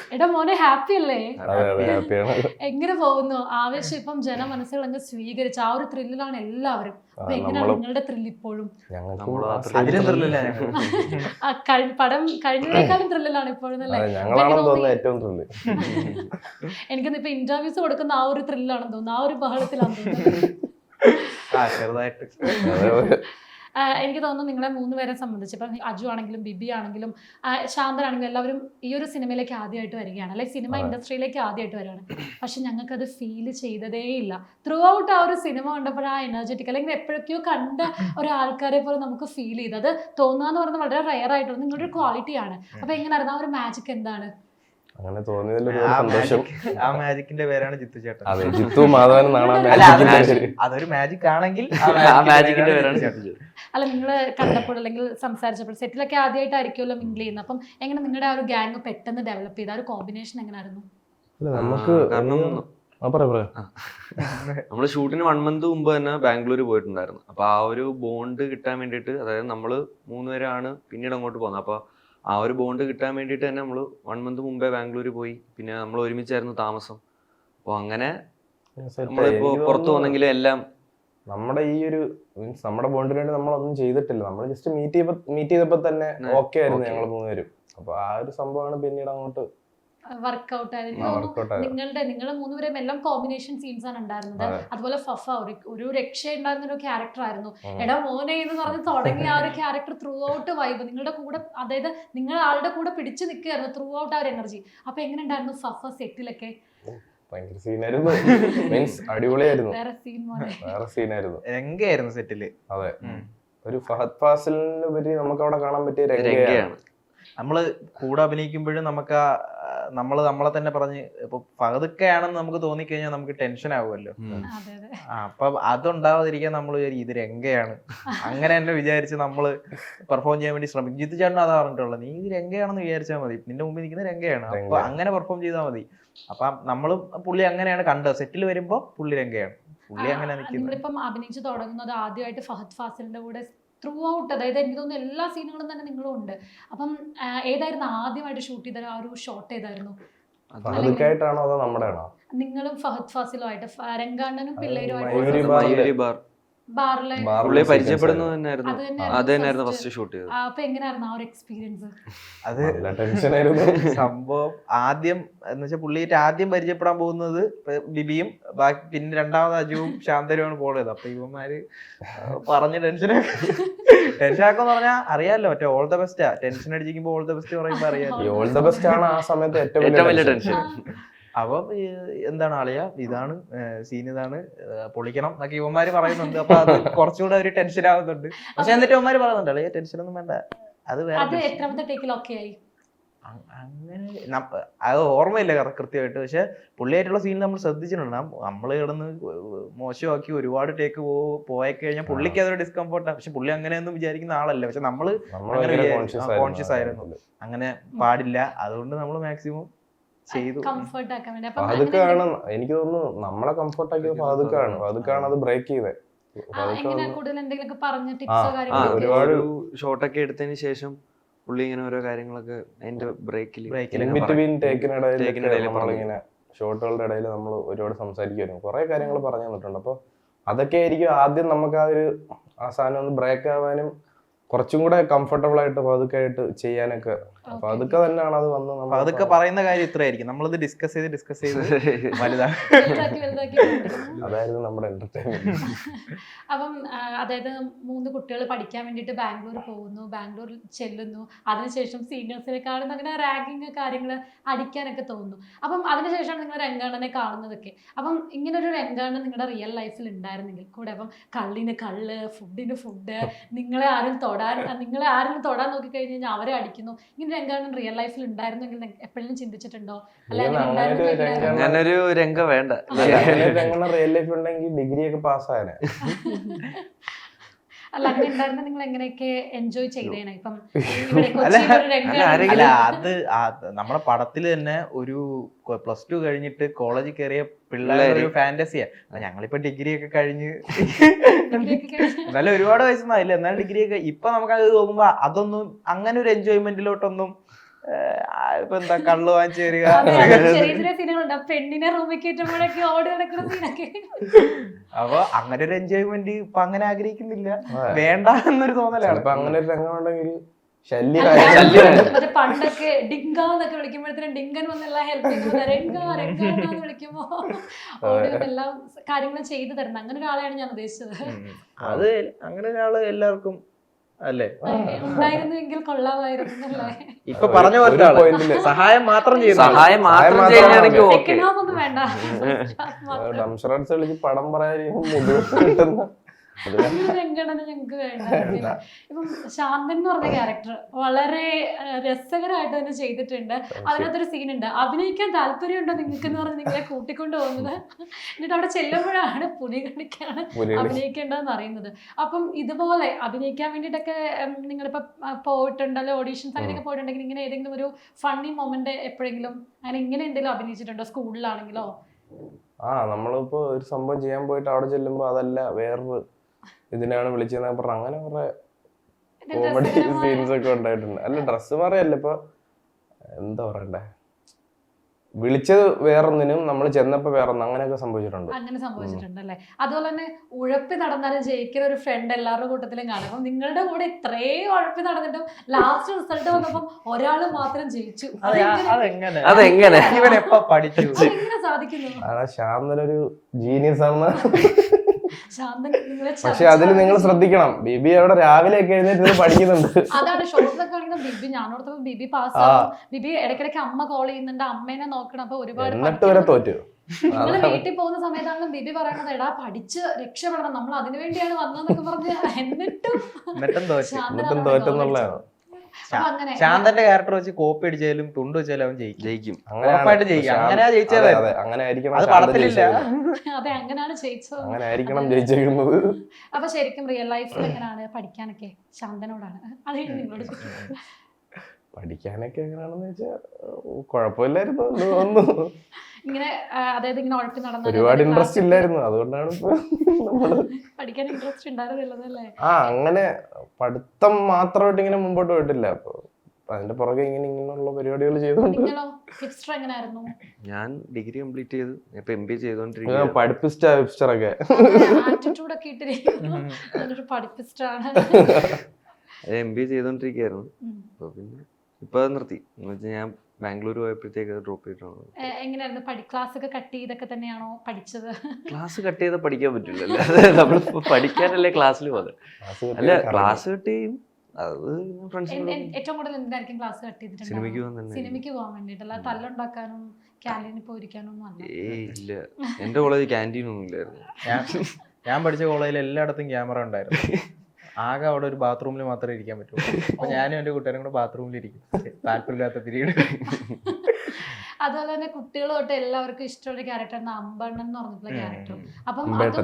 എടാ മോനെ ഹാപ്പി അല്ലേ? ഹാപ്പിയാണ്. എങ്ങനെ പോകുന്നു ആവേശം? ഇപ്പം ജനമനസ്സുകൾ അങ്ങ് സ്വീകരിച്ച ആ ഒരു ത്രില്ലിലാണ് എല്ലാവരും. അപ്പൊ എങ്ങനെയാണ് നിങ്ങളുടെ ത്രില്ല് ഇപ്പോഴും? പടം കഴിഞ്ഞതിനേക്കാളും ത്രില്ലിലാണ് ഇപ്പോഴും അല്ലേ? എനിക്കൊന്ന് ഇപ്പൊ ഇന്റർവ്യൂസ് കൊടുക്കുന്ന ആ ഒരു ത്രില്ലാണെന്ന് തോന്നുന്നു, ആ ഒരു ബഹളത്തിലാണെന്ന് തോന്നുന്നു. എനിക്ക് തോന്നുന്നു നിങ്ങളെ 3 പേരെ സംബന്ധിച്ച് ഇപ്പം അജു ആണെങ്കിലും ബിബി ആണെങ്കിലും ശാന്തനാണെങ്കിലും എല്ലാവരും ഈ ഒരു സിനിമയിലേക്ക് ആദ്യമായിട്ട് വരികയാണ്, അല്ലെ സിനിമ ഇൻഡസ്ട്രിയിലേക്ക് ആദ്യമായിട്ട് വരികയാണ്. പക്ഷെ ഞങ്ങൾക്കത് ഫീൽ ചെയ്തതേ ഇല്ല. ത്രൂ ഔട്ട് ആ ഒരു സിനിമ കണ്ടപ്പോൾ ആ എനർജറ്റിക് അല്ലെങ്കിൽ എപ്പോഴൊക്കെയോ കണ്ട ഒരാൾക്കാരെ പോലെ നമുക്ക് ഫീൽ ചെയ്ത് അത് തോന്നുക പറയുന്നത് വളരെ റയർ ആയിട്ടുള്ള നിങ്ങളുടെ ഒരു ക്വാളിറ്റിയാണ്. അപ്പൊ എങ്ങനെയായിരുന്നു ആ ഒരു മാജിക്? എന്താണ് അങ്ങനെ തോന്നിയതിൽ സന്തോഷം. ആ മാജിക്കിന്റെ പേരാണ് ജിത്തു ചേട്ടൻ. അതെ, ജിത്തു മാധവൻ അതൊരു മാജിക് ആണെങ്കിൽ മാജിക്കിന്റെ പേരാണ് ജിത്തു ചേട്ടൻ. അല്ല, നിങ്ങൾ കണ്ടപ്പോൾ അല്ലെങ്കിൽ സംസാരിച്ചപ്പോൾ സെറ്റിലൊക്കെ ആദ്യമായിട്ടായിരിക്കുമല്ലോ മിങ്കിൾ ചെയ്യുന്നത്. അപ്പം എങ്ങനെ നിങ്ങളുടെ ആ ഒരു ഗ്യാങ് പെട്ടെന്ന് ഡെവലപ്പ് ചെയ്ത ആ ഒരു കോമ്പിനേഷൻ എങ്ങനെയായിരുന്നു? നമുക്ക് നമ്മള് ഷൂട്ടിന് 1 month മുമ്പ് തന്നെ ബാംഗ്ലൂർ പോയിട്ടുണ്ടായിരുന്നു. അപ്പൊ ആ ഒരു ബോണ്ട് കിട്ടാൻ വേണ്ടിയിട്ട്, അതായത് നമ്മള് 3 പേരാണ് പിന്നീട് അങ്ങോട്ട് പോകുന്നത്. അപ്പൊ ആ ഒരു ബോണ്ട് കിട്ടാൻ വേണ്ടിയിട്ട് തന്നെ നമ്മൾ 1 month മുമ്പേ ബാംഗ്ലൂർ പോയി. പിന്നെ നമ്മൾ ഒരുമിച്ചായിരുന്നു താമസം. അപ്പോൾ അങ്ങനെ നമ്മളിപ്പോ പുറത്തു പോകുന്നെങ്കിലും എല്ലാം നമ്മുടെ ഈ ഒരു മീൻസ് നമ്മുടെ ബോണ്ടിന് വേണ്ടി നമ്മളൊന്നും ചെയ്തിട്ടില്ല. നമ്മൾ ജസ്റ്റ് മീറ്റ് ചെയ്തപ്പോ തന്നെ ഓക്കെ ആയിരുന്നു ഞങ്ങൾ 3 പേരും. അപ്പൊ ആ ഒരു സംഭവമാണ് പിന്നീട് അങ്ങോട്ട് വർക്ക്ഔട്ട് ആയിരുന്നു. നിങ്ങൾ 3 പേരും എല്ലാം കോമ്പിനേഷൻ സീൻസ് ആണ് ഉണ്ടായിരുന്നത്. അതുപോലെ ഫഫ ഒരു രക്ഷ ഉണ്ടായിരുന്ന ഒരു ക്യാരക്ടർ ആയിരുന്നു. എടാ മോനെ എന്ന് പറഞ്ഞ് തുടങ്ങിയ ആ ഒരു ക്യാരക്ടർ ത്രൂ ഔട്ട് വൈബ് നിങ്ങളുടെ കൂടെ, അതായത് നിങ്ങൾ ആളുടെ കൂടെ പിടിച്ചു നിൽക്കുകയായിരുന്നു ത്രൂ ഔട്ട് ആ ഒരു എനർജി. അപ്പൊ എങ്ങനെ ഉണ്ടായിരുന്നു ഫഫ സെറ്റിലൊക്കെ? ഭയങ്കര സീനായിരുന്നു. മീൻസ് അടിപൊളിയായിരുന്നു. വേറെ സീനായിരുന്നു. രംഗയായിരുന്നു സെറ്റില്. അതെ, ഒരു ഫഹദ് ഫാസിലിനുപരി നമുക്ക് അവിടെ കാണാൻ പറ്റിയ രംഗയാണ്. നമ്മള് കൂടെ അഭിനയിക്കുമ്പോഴും നമുക്ക് നമ്മളെ തന്നെ പറഞ്ഞ് ഇപ്പൊ ഫഹദൊക്കെയാണെന്ന് നമുക്ക് തോന്നിക്കഴിഞ്ഞാൽ നമുക്ക് ടെൻഷൻ ആവുമല്ലോ. അപ്പൊ അതുണ്ടാവാതിരിക്കാൻ നമ്മൾ ഇത് രംഗയാണ് അങ്ങനെ തന്നെ വിചാരിച്ച് നമ്മള് പെർഫോം ചെയ്യാൻ വേണ്ടി ശ്രമിക്കും. ജിത്തു ചേട്ടൻ അതാ പറഞ്ഞിട്ടുള്ളത്, നീ ഇത് രംഗയാണെന്ന് വിചാരിച്ചാൽ മതി, നിന്റെ മുമ്പിൽ നിൽക്കുന്ന രംഗയാണ്, അപ്പൊ അങ്ങനെ പെർഫോം ചെയ്താൽ മതി. അപ്പൊ നമ്മളും പുള്ളി അങ്ങനെയാണ് കണ്ടത്. സെറ്റിൽ വരുമ്പോ പുള്ളി രംഗയാണ്, പുള്ളി അങ്ങനെ നിൽക്കുന്നത്. നിങ്ങളിപ്പം അഭിനയിച്ച് തുടങ്ങുന്നത് ആദ്യമായിട്ട് ഫഹദ് ഫാസിലിന്റെ കൂടെ ത്രൂ ഔട്ട്, അതായത് എനിക്ക് തോന്നുന്നു എല്ലാ സീനുകളും തന്നെ നിങ്ങളും ഉണ്ട്. അപ്പം ഏതായിരുന്നു ആദ്യമായിട്ട് ഷൂട്ട് ചെയ്ത ആ ഒരു ഷോട്ട്? ഏതായിരുന്നു? നിങ്ങളും ഫഹദ് ഫാസിലും ആയിട്ട്, രംഗാണ്ണനും പിള്ളേരുമായിട്ട് ബാറിലെ പരിചയപ്പെടുന്നത് തന്നെയായിരുന്നു ഫസ്റ്റ് ഷൂട്ട് ചെയ്തത്. അപ്പൊ എങ്ങനെയായിരുന്നു ആ ഒരു എക്സ്പീരിയൻസ്? അത് സംഭവം ആദ്യം എന്ന് വെച്ചാൽ പുള്ളിയായിട്ട് ആദ്യം പരിചയപ്പെടാൻ പോകുന്നത് ബിബിയും ബാക്കി പിന്നെ രണ്ടാമത് അജുവും ശാന്തരുമാണ് പോയത്. അപ്പൊ ഇവന്മാര് പറഞ്ഞ് ടെൻഷനാക്കെന്ന് പറഞ്ഞാൽ അറിയാലോ, മറ്റേ ഓൾ ദ ബെസ്റ്റാ. ടെൻഷൻ അടിച്ചിരിക്കുമ്പോ ഓൾ ദ ബെസ്റ്റ് പറയുമ്പോ അറിയാലോ, ഓൾ ദ ബെസ്റ്റ് ആണ് ആ സമയത്ത് ഏറ്റവും വലിയ ടെൻഷൻ. അപ്പം എന്താണ് ആളിയാ, ഇതാണ് സീൻ, ഇതാണ് പൊളിക്കണം എന്നൊക്കെ ഇവന്മാര് പറയുന്നുണ്ട്. അപ്പൊ അത് കുറച്ചുകൂടെ ഒരു ടെൻഷൻ ആവുന്നുണ്ട്. പക്ഷെ എന്നിട്ട് ഇവന്മാര് പറയുന്നുണ്ട് അളിയാ ടെൻഷൻ ഒന്നും വേണ്ട, അത് വേറെ അങ്ങനെ അത് ഓർമ്മയില്ല കൃത്യമായിട്ട്. പക്ഷെ പുള്ളിയായിട്ടുള്ള സീൻ നമ്മൾ ശ്രദ്ധിച്ചിട്ടുണ്ട്. നമ്മൾ കിടന്ന് മോശമാക്കി ഒരുപാട് ടേക്ക് പോയി കഴിഞ്ഞാൽ പുള്ളിക്ക് അതൊരു ഡിസ്കംഫോർട്ടാണ്. പക്ഷെ പുള്ളി അങ്ങനെയൊന്നും വിചാരിക്കുന്ന ആളല്ല. പക്ഷെ നമ്മള് കോൺഷ്യസ് ആയിരുന്നു, അങ്ങനെ പാടില്ല. അതുകൊണ്ട് നമ്മൾ മാക്സിമം ചെയ്തു. അതൊക്കെയാണ് എനിക്ക് തോന്നുന്നു നമ്മളെ കംഫർട്ട് ആക്കിയത്. അതൊക്കെയാണ് അത് ബ്രേക്ക് ചെയ്തത്. ഒരുപാട് ഷോട്ടൊക്കെ എടുത്തതിന് ശേഷം പുള്ളി ഇങ്ങനെ ഓരോ കാര്യങ്ങളൊക്കെ അതിന്റെ ബ്രേക്കിനിങ്ങനെ ഷോട്ടുകളുടെ ഇടയിൽ നമ്മൾ ഒരുപാട് സംസാരിക്കുമായിരുന്നു, കുറെ കാര്യങ്ങൾ പറഞ്ഞു തന്നിട്ടുണ്ട്. അപ്പൊ അതൊക്കെ ആയിരിക്കും ആദ്യം നമുക്ക് ആ ഒരു ആ സാധനം ഒന്ന് ബ്രേക്ക് ആവാനും കുറച്ചും കൂടെ കംഫർട്ടബിൾ ആയിട്ട് പതുക്കെ ആയിട്ട് ചെയ്യാനൊക്കെ. അപ്പൊ അതൊക്കെ തന്നെയാണ് അത് വന്ന് അതൊക്കെ പറയുന്ന കാര്യം ഇത്രയായിരിക്കും. നമ്മളിത് ഡിസ്കസ് ചെയ്ത് അതായിരുന്നു നമ്മുടെ എന്റർടൈൻമെന്റ്. അപ്പം അതായത് 3 കുട്ടികൾ പഠിക്കാൻ വേണ്ടിയിട്ട് ബാംഗ്ലൂർ പോകുന്നു, ബാംഗ്ലൂർ ചെല്ലുന്നു. അതിനുശേഷം സീനിയേഴ്സിനെ കാണുന്ന അങ്ങനെ റാങ്കിങ് കാര്യങ്ങൾ അടിക്കാനൊക്കെ തോന്നുന്നു. അപ്പം അതിനുശേഷമാണ് നിങ്ങൾ രംഗാണ്ണനെ കാണുന്നതൊക്കെ. അപ്പം ഇങ്ങനൊരു രംഗാണ്ണൻ നിങ്ങളുടെ റിയൽ ലൈഫിൽ ഉണ്ടായിരുന്നെങ്കിൽ കൂടെ, അപ്പം കള്ളിന് കള്ള്, ഫുഡിന് ഫുഡ്, നിങ്ങളെ ആരും തൊടാൻ നോക്കിക്കഴിഞ്ഞ് കഴിഞ്ഞാൽ അവരെ അടിക്കുന്നു, ഇങ്ങനെ രംഗാണ്ണൻ റിയൽ ലൈഫിൽ ഉണ്ടായിരുന്നെങ്കിൽ എപ്പോഴും ചിന്തിച്ചിട്ടുണ്ടോ? അങ്ങനൊരു രംഗം വേണ്ട. റിയൽ ലൈഫ് ഉണ്ടെങ്കിൽ ഡിഗ്രി ഒക്കെ പാസ്സായനെ. അല്ല, അങ്ങനെ ഉണ്ടായിരുന്ന നിങ്ങൾ എങ്ങനെയൊക്കെ എൻജോയ് ചെയ്തേനെ? ഇപ്പം അല്ല, അത് നമ്മുടെ പടത്തില് തന്നെ ഒരു +2 കഴിഞ്ഞിട്ട് കോളേജിൽ കയറിയ പിള്ളേരുടെ ഒരു ഫാന്റസിയാ. ഞങ്ങളിപ്പോ ഡിഗ്രി ഒക്കെ കഴിഞ്ഞ് എന്നാലും ഒരുപാട് വയസ്സൊന്നും ആയില്ല, എന്നാലും ഡിഗ്രി ഒക്കെ ഇപ്പൊ നമുക്ക് അത് തോന്നുമ്പോ അതൊന്നും അങ്ങനെ ഒരു എൻജോയ്മെന്റിലോട്ടൊന്നും ഇപ്പൊ എന്താ കള്ളു വാങ്ങിച്ചു തരിക. ചെറിയ ചെറിയ സീനുകളുണ്ട്. പെണ്ണിനെ റൂമിൽ കയറ്റുമ്പോഴൊക്കെ ഓടി നടക്കുന്ന സീനൊക്കെ. അപ്പൊ അങ്ങനെ ഒരു എൻജോയ്മെന്റ് ഇപ്പൊ അങ്ങനെ ആഗ്രഹിക്കുന്നില്ല, വേണ്ട എന്നൊരു തോന്നലാണ്. ഇപ്പൊ അങ്ങനെ ഒരു രംഗം ഉണ്ടെങ്കിൽ മറ്റേ പണ്ടൊക്കെ ഡിങ്കാന്നൊക്കെ വിളിക്കുമ്പോഴത്തേനും ഡിങ്കൻ വന്നെല്ലാം ഹെൽപ്പ് ചെയ്യുന്നത് രംഗാന്ന് വിളിക്കുമ്പോ ഓടി എല്ലാം കാര്യങ്ങളും ചെയ്തു തരുന്നത് അങ്ങനെ ഒരാളെയാണ് ഞാൻ ഉദ്ദേശിച്ചത്. അത് അങ്ങനെ ഒരാള് എല്ലാവർക്കും അല്ലേ ഉണ്ടായിരുന്നുവെങ്കിൽ കൊള്ളാമായിരുന്നു അല്ലേ. ഇപ്പൊ പറഞ്ഞ പോലെ സഹായം മാത്രം ചെയ്യുന്നു. സഹായം മാത്രം ചെയ്യുകയാണെങ്കിൽ ഓക്കെ. സെക്കൻഡ് ഹാഫ് ഒന്നും വേണ്ട. ഡംഷറൻസ് കളിച്ച് പടം പറയാൻ രംഗണന ഞങ്ങക്ക് വേണ്ട. ഇപ്പം ശാന്തൻ എന്ന് പറഞ്ഞ ക്യാരക്ടർ വളരെ രസകരമായിട്ട് തന്നെ ചെയ്തിട്ടുണ്ട്. അതിനകത്തൊരു സീനുണ്ട്, അഭിനയിക്കാൻ താല്പര്യമുണ്ടോ നിങ്ങൾക്ക് എന്ന് പറഞ്ഞ് നിങ്ങളെ കൂട്ടിക്കൊണ്ട് പോകുന്നത്, എന്നിട്ട് അവിടെ ചെല്ലുമ്പോഴാണ് പുലി കളിക്കാണ് അഭിനയിക്കേണ്ടതെന്ന് അറിയുന്നത്. അപ്പം ഇതുപോലെ അഭിനയിക്കാൻ വേണ്ടിയിട്ടൊക്കെ നിങ്ങളിപ്പോ പോയിട്ടുണ്ടല്ലോ, ഓഡീഷൻസ് അങ്ങനെയൊക്കെ പോയിട്ടുണ്ടെങ്കിൽ ഇങ്ങനെ ഏതെങ്കിലും ഒരു ഫണ്ണി മൊമെന്റ് എപ്പോഴെങ്കിലും അങ്ങനെ ഇങ്ങനെ എന്തെങ്കിലും അഭിനയിച്ചിട്ടുണ്ടോ, സ്കൂളിലാണെങ്കിലോ? നമ്മളിപ്പോ ഒരു സംഭവം ചെയ്യാൻ പോയിട്ട് അവിടെ ചെല്ലുമ്പോ അതല്ല വേറൊരു ഇതിനാണ് വിളിച്ചതെന്ന് പറഞ്ഞ അങ്ങനെ കുറെ കോമഡി സീൻസ് ഒക്കെ ഉണ്ടായിട്ടുണ്ട്. അല്ല ഡ്രസ്സ് മാറിയല്ല, ഇപ്പൊ എന്താ പറയണ്ടേ, വിളിച്ചത് വേറൊന്നിനും നമ്മൾ ചെന്നപ്പോ വേറൊന്നും അങ്ങനെയൊക്കെ സംഭവിച്ചിട്ടുണ്ട്. അങ്ങനെ സംഭവിച്ചിട്ടുണ്ടല്ലേ. അതുപോലെ തന്നെ ഉഴപ്പി നടന്നാലും ജയിക്കുന്ന ഒരു ഫ്രണ്ട് എല്ലാവരുടെ കൂട്ടത്തിലും കാണും. അപ്പം നിങ്ങളുടെ കൂടെ ഇത്രയും ഉഴപ്പി നടന്നിട്ടും ലാസ്റ്റ് റിസൾട്ട് വന്നപ്പം ഒരാള് മാത്രം ജയിച്ചു. അതെങ്ങനെ ഇവൻ എപ്പോ പഠിച്ചു, എങ്ങനെ സാധിക്കുന്നു? ശാന്തനൊരു ജീനിയസ് ആണ്. പക്ഷെ പക്ഷെ അതിൽ നിങ്ങൾ ശ്രദ്ധിക്കണം, ബിബി അവിടെ രാവിലെ ഒക്കെ എഴുന്നേറ്റ് പഠിക്കുന്നുണ്ട്. അതാണ് ഷോർട്ട്സൊക്കെ ആണെങ്കിൽ ബിബി ഞാനോടത്തപ്പോ ബിബി പാസ്സാവും. ബിബി ഇടയ്ക്കിടയ്ക്ക് അമ്മ കോൾ ചെയ്യുന്നുണ്ട്, അമ്മേനെ നോക്കണം. അപ്പൊ ഒരുപാട് തോറ്റു. നിങ്ങള് വീട്ടിൽ പോകുന്ന സമയത്താണെങ്കിലും ബിബി പറയണത് എടാ പഠിച്ച് രക്ഷപ്പെടണം, നമ്മൾ അതിനു വേണ്ടിയാണ് വന്നതെന്നൊക്കെ പറഞ്ഞ് എന്നിട്ടും തോറ്റെന്നുള്ളതാണ്. ശാന്തന്റെ ക്യാരക്ടർ വെച്ച് കോപ്പി അടിച്ചാലും തുണ്ട് വെച്ചാലും അവൻ ജയിക്കും. ഉറപ്പായിട്ട് ജയിക്കും. അങ്ങനെയാ ജയിച്ചത്. അങ്ങനെ ആയിരിക്കണം. അത് പടത്തിലില്ല. അതെ, അങ്ങനെയാണ് ജയിച്ചത്. അങ്ങനെ ആയിരിക്കണം ജയിച്ചിരിക്കുന്നത്. അപ്പൊ ശരിക്കും റിയൽ ലൈഫിൽ എങ്ങനെയാണ് പഠിക്കാനൊക്കെ? ശാന്തനോടാണ് അത് നിങ്ങളോട് പഠിക്കാനൊക്കെ എങ്ങനെയാണെന്ന് വെച്ചാൽ കുഴപ്പമില്ലായിരുന്നു തോന്നുന്നു. ഇങ്ങനെ അതായത് ഇങ്ങനെ ഉഴപ്പി നടന്ന ഒരുപാട് ഇൻട്രസ്റ്റ് ഇല്ലായിരുന്നു, അതുകൊണ്ടാണ് പഠിക്കാൻ ഇൻട്രസ്റ്റ് ഉണ്ടായിരുന്നില്ലല്ലേ? അങ്ങനെ പഠിത്തം മാത്രമായിട്ട് ഇങ്ങനെ മുമ്പോട്ട് പോയിട്ടില്ല. അപ്പൊ അതിന്റെ പുറകെ ഇങ്ങനെയുള്ള പരിപാടികൾ ചെയ്തോണ്ട്. ഞാൻ ഡിഗ്രി കംപ്ലീറ്റ് ചെയ്തു, ഇപ്പൊ MBA ചെയ്തോണ്ടിരിക്കുന്നു. പഠിപ്പിസ്റ്റൊക്കെ MBA ചെയ്തോണ്ടിരിക്കുകയായിരുന്നു. അപ്പൊ പിന്നെ ഇപ്പൊ നിർത്തി. എന്ന് വെച്ചാൽ ഞാൻ ബാംഗ്ലൂർ പോയപ്പോഴത്തേക്ക് ഡ്രോപ്പ് ചെയ്തിട്ടാണ്. എങ്ങനെയായിരുന്നു ക്ലാസ് ഒക്കെ കട്ട് ചെയ്തൊക്കെ തന്നെയാണോ പഠിച്ചത്? ക്ലാസ് കട്ട് ചെയ്താൽ പഠിക്കാൻ പറ്റില്ലല്ലോ, നമ്മളിപ്പോ പഠിക്കാനല്ലേ ക്ലാസ്സിൽ പോകുന്നത്. അല്ല ക്ലാസ് കട്ട് ചെയ്യും, അത് ഏറ്റവും കൂടുതൽ എന്തായിരിക്കും ക്ലാസ് കട്ട് ചെയ്തിട്ടുണ്ട്? സിനിമയ്ക്ക് പോകാൻ വേണ്ടിട്ടല്ല, തല്ലുണ്ടാക്കാനും ക്യാൻറ്റീനിൽ പോയിരിക്കാനും ഒന്നും അല്ല. ഇല്ല, എന്റെ കോളേജ് ക്യാൻറ്റീൻ ഒന്നും ഇല്ലായിരുന്നു. ഞാൻ പഠിച്ച കോളേജിൽ എല്ലായിടത്തും ക്യാമറ ഉണ്ടായിരുന്നു. ആകെ അവിടെ ഒരു ബാത്റൂമിൽ മാത്രമേ ഇരിക്കാൻ പറ്റുള്ളൂ. അപ്പൊ ഞാനും എന്റെ കൂട്ടുകാരും കൂടെ ബാത്റൂമിൽ ഇരിക്കും, താല്പര്യമില്ലാത്ത പീരീഡ്. അതുപോലെ തന്നെ കുട്ടികൾ തൊട്ട് എല്ലാവർക്കും ഇഷ്ടമുള്ള ക്യാരക്ടറാണ് അമ്പണ്ണൻ എന്ന് പറഞ്ഞിട്ടുള്ള ക്യാരക്ടർ. അപ്പം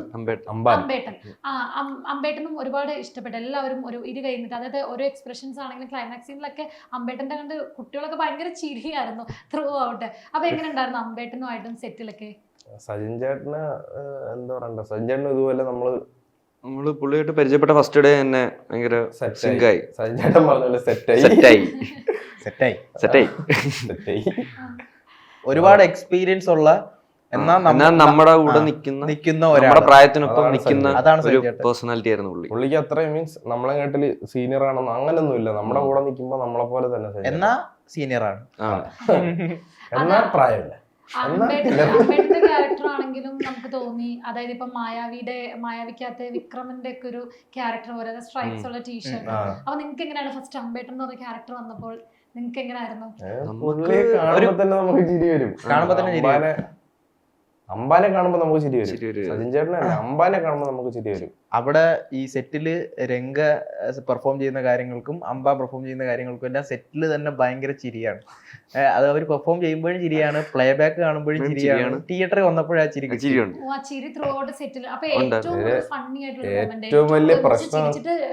അമ്പേട്ടനും ഒരുപാട് ഇഷ്ടപ്പെട്ടു. എല്ലാവരും ഒരു ഇരു കഴിഞ്ഞിട്ട്, അതായത് ഓരോ എക്സ്പ്രഷൻസ് ആണെങ്കിലും ക്ലൈമാക്സ് സീനിലൊക്കെ അമ്പേട്ടന്റെ കണ്ട് കുട്ടികളൊക്കെ ഭയങ്കര ചിരിയായിരുന്നു ത്രൂ ഔട്ട്. അപ്പൊ എങ്ങനെ ഉണ്ടായിരുന്നു അമ്പേട്ടനുമായിട്ടും സെറ്റിലൊക്കെ? സജിൻ ചേട്ടന് എന്താ പറയണ്ട, സജിൻ ചേട്ടന് ഇതുപോലെ നമ്മള് പുള്ളിയായിട്ട് പരിചയപ്പെട്ട ഫസ്റ്റ് ഡേ തന്നെ ഭയങ്കര സിങ്കായി. സജിൻ ചേട്ടൻ പറഞ്ഞ സെറ്റായി. ഒരുപാട് എക്സ്പീരിയൻസ് ഉള്ള എന്നാൽ നമ്മുടെ കൂടെ നിൽക്കുന്ന നമ്മുടെ പ്രായത്തിനൊപ്പം നിൽക്കുന്ന ഒരു പേഴ്സണാലിറ്റി ആയിരുന്നു പുള്ളി. പുള്ളിക്ക് അത്രയും മീൻസ് നമ്മളെ കേട്ടില് സീനിയർ ആണെന്ന് അങ്ങനൊന്നും ഇല്ല. നമ്മുടെ കൂടെ നിൽക്കുമ്പോ നമ്മളെ പോലെ തന്നെ എന്നാ സീനിയർ ആണ്, എന്നാ പ്രായമില്ല. അമ്പേട്ടന്റെ ക്യാരക്ടർ ആണെങ്കിലും നമുക്ക് തോന്നി, അതായത് ഇപ്പൊ മായാവിക്കകത്ത് വിക്രമന്റെ ഒക്കെ ഒരു ക്യാരക്ടർ പോലെ സ്ട്രൈപ്സ് ഉള്ള ടീഷർട്ട്. അപ്പൊ നിങ്ങൾക്ക് എങ്ങനെയാണ് ഫസ്റ്റ് അമ്പേട്ടൻ എന്ന് പറഞ്ഞ ക്യാരക്ടർ വന്നപ്പോൾ നിങ്ങൾക്ക് എങ്ങനെയായിരുന്നു? കാണുമ്പോ തന്നെ നമുക്ക് ചിരി വരും. അമ്പാനെ കാണുമ്പോ നമുക്ക് ചിരി വരും. സജിൻ ചേട്ടനല്ല, അമ്പാനെ കാണുമ്പോ നമുക്ക് ചിരി വരും. അവിടെ ഈ സെറ്റില് രംഗ പെർഫോം ചെയ്യുന്ന കാര്യങ്ങൾക്കും അമ്പ പെർഫോം ചെയ്യുന്ന കാര്യങ്ങൾക്കും എല്ലാം സെറ്റില് തന്നെ ഭയങ്കര ചിരിയാണ്. അത് അവർ പെർഫോം ചെയ്യുമ്പോഴും ചിരിയാണ്, പ്ലേ ബാക്ക് കാണുമ്പോഴും ചിരിയാണ്, തിയേറ്ററിൽ വന്നപ്പോഴും ആ ചിരി ഏറ്റവും വലിയ പ്രശ്നം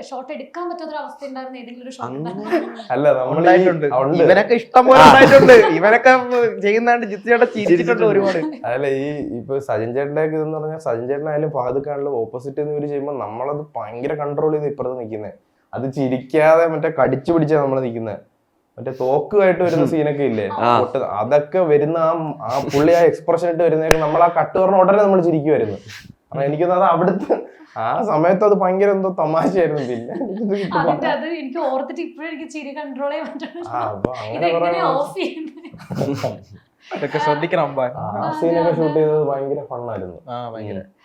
അല്ല, ഇവനൊക്കെ ഇഷ്ടം പോലെ ഉണ്ടായിട്ടുണ്ട്. ഇവനൊക്കെ ചെയ്യുന്നതാണ്ട് ജിത്തിയുടെ ചിരിച്ചിട്ടുണ്ട് ഒരുപാട്. അതല്ല, ഈ ഇപ്പൊ സജിൻ ചേട്ടന്റെ ഒക്കെ ഇതെന്ന് പറഞ്ഞാൽ സജിൻ ചേട്ടനായാലും ഫഹദ് ഖാനിലും ഓപ്പോസിറ്റ് എന്ന് ഇവര് ചെയ്യുമ്പോൾ നമ്മളത് ഭയങ്കര കൺട്രോൾ ചെയ്ത് ഇപ്പുറത്ത് നിൽക്കുന്നത്. അത് ചിരിക്കാതെ മറ്റേ കടിച്ചു പിടിച്ചാ നമ്മള് നിൽക്കുന്നത്. മറ്റേ തോക്കുമായിട്ട് വരുന്ന സീനൊക്കെ ഇല്ലേ, അതൊക്കെ വരുന്ന ആ പുള്ളി ആ എക്സ്പ്രഷൻ ഇട്ട് വരുന്നതൊക്കെ നമ്മൾ ആ കട്ട് പറഞ്ഞ ഉടനെ നമ്മൾ ചിരിക്കുമായിരുന്നു. കാരണം എനിക്കൊന്നും അത് അവിടുത്തെ ആ സമയത്ത് അത് ഭയങ്കര എന്തോ തമാശയായിരുന്നു. പിന്നെ അത് എനിക്ക് ഓർത്തിട്ട് ഇപ്പോഴും എനിക്ക് ചിരി കൺട്രോൾ ചെയ്യാൻ പറ്റും. അപ്പൊ അങ്ങനെ ഇതെങ്ങനെ ഓഫ് ചെയ്യുന്നത് അതൊക്കെ ശ്രദ്ധിക്കണം. ആ സീനൊക്കെ ഷൂട്ട് ചെയ്തത് ഭയങ്കര ഫണ്ണായിരുന്നു. ഭയങ്കര